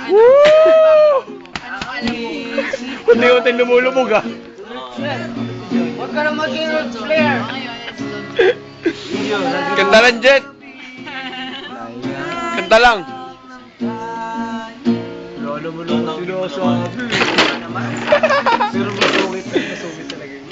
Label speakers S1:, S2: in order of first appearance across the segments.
S1: Kunti-kunti lumulubog ah.
S2: Huwag ka na mag-road flare.
S1: Ganda lang, Jet. Ganda lang.
S2: Lolo mo lang sinasabi. Pero masungit talaga yun.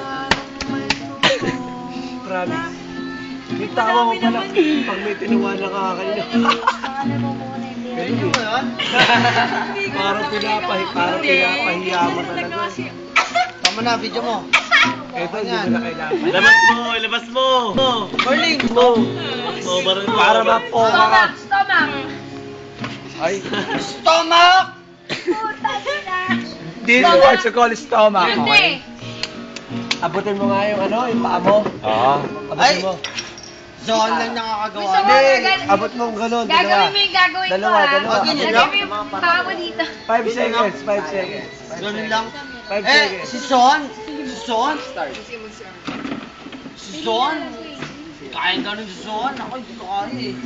S2: Promise. Yung tawa mo pala, pag may tinawanan ka kanina. Ganyan mo yun? Parang pinapahiya mo talaga. Tama na, video mo. Ito, hindi mo na kailangan.
S3: Ilabas mo!
S2: Marling! Para mapoka ka.
S4: Stomach!
S2: Ay. Stomach! This is what you call stomach.
S4: Hindi!
S2: Abutin mo nga yung yung paa mo.
S1: Oo.
S2: Abutin mo.
S5: Zone lang nakakagawa.
S4: Gusto mo
S2: Hindi, abot mo yung ganun.
S4: Gagawin mo yung gagawin ko
S2: Dalawa.
S4: Gagawin mo yung paa mo dito.
S2: 5 seconds, 5 seconds.
S5: Ganun lang.
S2: 5
S5: Eh,
S2: seconds.
S5: si Son. Si Son. Kaya ganun si Son. Ako hindi ko kaya eh.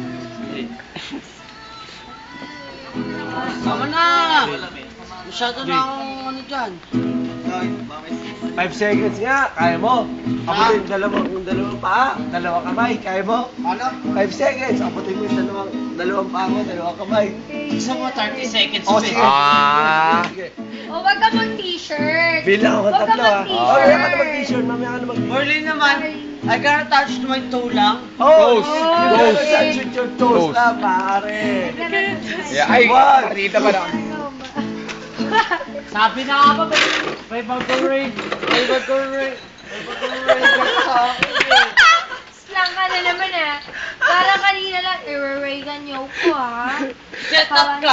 S5: Tama na. Masyado na akong dyan.
S2: 5 seconds nga, kaya mo. Abutin yung dalawang paa, dalawang kamay, kaya mo.
S5: Ano?
S2: 5 seconds, abutin mo yung dalawang paa mo, dalawang kamay.
S5: Isa mo 30 seconds.
S2: O,
S5: pa eh.
S2: sige.
S1: Ah.
S2: Sige.
S4: O, wag ka mag-t-shirt.
S2: Bilang ako
S4: Wag ka
S2: tatlo ah.
S4: mag-t-shirt.
S2: Mamaya ka na mag-t-shirt, mamaya ka na mag-t-shirt.
S5: Marlene naman, I gotta touch my toe lang.
S2: Oh,
S1: Toast.
S2: you
S1: Toast.
S2: gotta touch your toes
S1: Toast.
S2: lang, pare.
S1: Yeah, ay,
S2: Wag.
S1: nakita pa na.
S5: Sabi na nga ba, may mag-rate. May mag-rate. May mag-rate sa akin eh.
S4: Slang ka na naman ah. Para kanina lang, i-raygan niyo ko ah.
S5: Set up ka.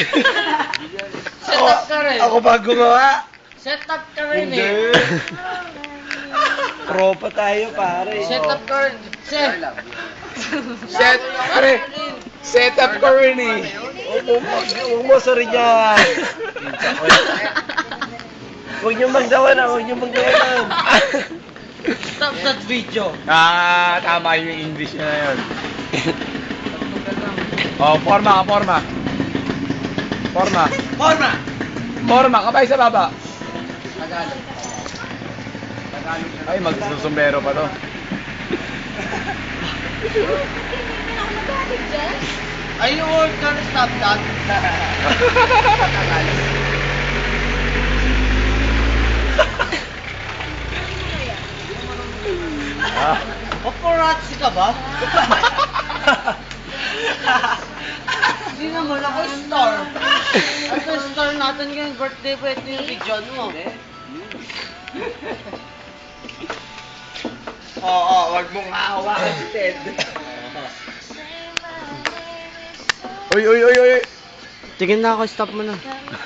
S5: Set up ka rin.
S2: Ako ba gumawa?
S5: Set up ka rin
S2: Hindi.
S5: eh.
S2: Tropa tayo, pare.
S5: Set up ka rin.
S1: Set up ko rin eh.
S2: Huwag mo, sorry niyan. Huwag niyo magdawa na, huwag niyo magdawa na.
S5: Stop that video.
S1: Ah, tama yung English na yun. Oh, forma ka, forma. Forma.
S5: Forma.
S1: Forma, kabay sa baba. Ay, magsusumbero pa to.
S5: Are you all gonna stop that?
S1: Ah.
S5: Paparazzi ka ba? Hindi naman ako star. Ako star natin ngayon, birthday pa ito yung video mo.
S2: Oo, wag mong hawakan si Ted.
S1: Uy, uy, uy, uy.
S5: Tingin na ako, stop mo na.